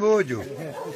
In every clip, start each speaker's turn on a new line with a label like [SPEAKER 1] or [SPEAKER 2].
[SPEAKER 1] буду.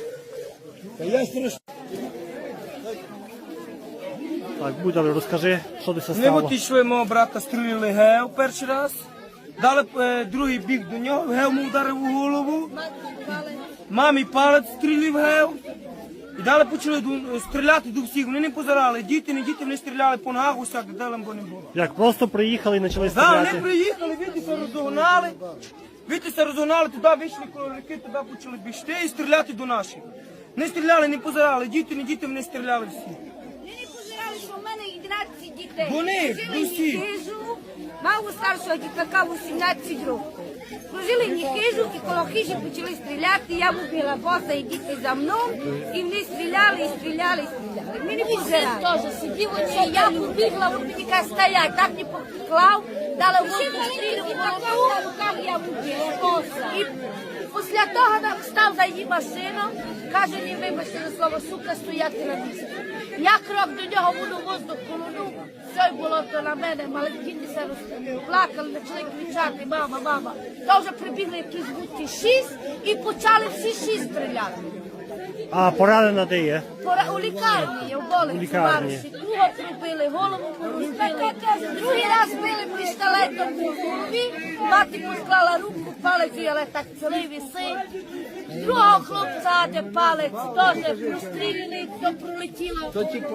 [SPEAKER 2] Так, Будя, розкажи, що ти
[SPEAKER 3] Ми
[SPEAKER 2] стало.
[SPEAKER 3] от йшли, мого брата стріляли гев перший раз. Дали другий біг до нього, гев му вдарив у голову. Мамі палець стрілив гев. І далі почали стріляти до всіх. Вони не позирали. Діти, не діти, вони стріляли по ногах, усяк, де там бо не було.
[SPEAKER 2] Як просто приїхали і почали
[SPEAKER 3] Да, вони
[SPEAKER 2] стріляти?
[SPEAKER 3] приїхали, вітися розогнали. Вітися розогнали, туди вийшли коло реки, туди почали бігти і стріляти до наших. Не стріляли, не позирали. Діти, не діти, вони стріляли всі.
[SPEAKER 4] Вони не позирали, що в мене 11 дітей.
[SPEAKER 3] Вони,
[SPEAKER 4] Прожили
[SPEAKER 3] усі.
[SPEAKER 4] хижу, мав у старшого дітака 18 років. Прожили хижу і коло хижі почали стріляти. Я вбила боса і діти за мною. І вони стріляли, і стріляли, і стріляли. Ми не позирали. Теж сидів оце, я побігла, він мені каже, стоять, так не поклав, дала воду стрілю, в руках я вбила боса. І після того став за її машину, каже, не вибачте за слово, сука, стояти на місці. Я крок до нього буду воздух колонув, все було то на мене, маленькі се плакали, почали кричати, мама, мама. То вже прибігли якісь будки 6 і почали всі 6 стріляти.
[SPEAKER 2] А поранена де є?
[SPEAKER 4] У лікарні, в болиці,
[SPEAKER 2] У лікарні.
[SPEAKER 4] Марусі. Другого пробили, голову порозбили, другий раз били пістолетом по голові, мати посклала руку, палець, але так цілий висить. Другого хлопця, де палець, теж простріляли, то пролетіло.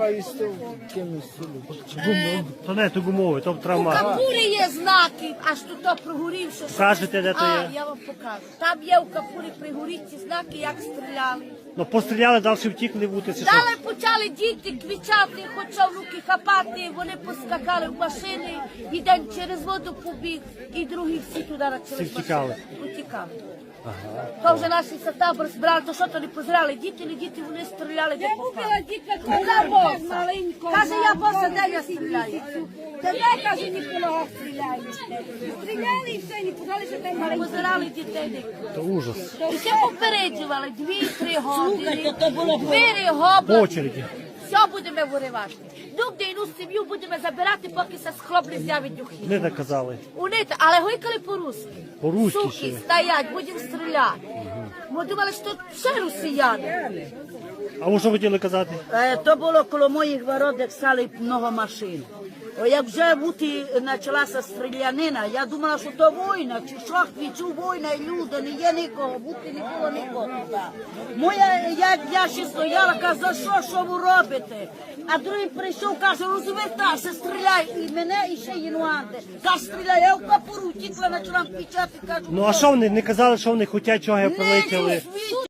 [SPEAKER 2] То не, то гумовий, то
[SPEAKER 4] У
[SPEAKER 2] травма.
[SPEAKER 4] капурі є знаки, аж тут то прогорівши.
[SPEAKER 2] Покажете, де то є?
[SPEAKER 4] Я вам покажу. Там є у капурі пригоріться знаки, як стріляли.
[SPEAKER 2] Ну постріляли, далі втікли в утиці.
[SPEAKER 4] Далі почали діти кричати, хоча в руки хапати, вони поскакали в машини, один через воду побіг, і другі всі туди почали.
[SPEAKER 2] Всі втікали?
[SPEAKER 4] Утікали. То вже наші табор збирали, то що то не позирали, діти, не діти, вони стріляли, де попали. Каже, я боса, де я стріляю? Тебе, каже, Ніколага стріляє. Стріляли і все, не позирали, що там маленькі. Позирали дітей.
[SPEAKER 2] То ужас.
[SPEAKER 4] І все попереджували, 2-3 години, 4
[SPEAKER 2] По
[SPEAKER 4] гобла.
[SPEAKER 2] очереді.
[SPEAKER 4] Все будемо виривати. Нігде іну сім'ю будемо забирати, поки се схлоп не з'явить духи.
[SPEAKER 2] Не так казали.
[SPEAKER 4] Вони, але гойкали по-русски.
[SPEAKER 2] По-руськи
[SPEAKER 4] Суки,
[SPEAKER 2] ще.
[SPEAKER 4] стоять, будемо стріляти. Ми думали, що все росіяни.
[SPEAKER 2] А ви що хотіли казати?
[SPEAKER 5] То було коло моїх ворот, як стали много машин. Як вже бути почалася стрілянина, я думала, що то війна, чи що, відчув війна, і люди, не є нікого, бути не було нікого. Я ще стояла, каже, за що ви робите? А другий прийшов, каже, розвертайся, стріляй, і мене, і ще інуанти. Каже, стріляй, я в капуру втікла, почала кричати, кажу,
[SPEAKER 2] Ну а що вони? Не казали, що вони хочуть, чого
[SPEAKER 5] не
[SPEAKER 2] прилетіли?
[SPEAKER 5] світ.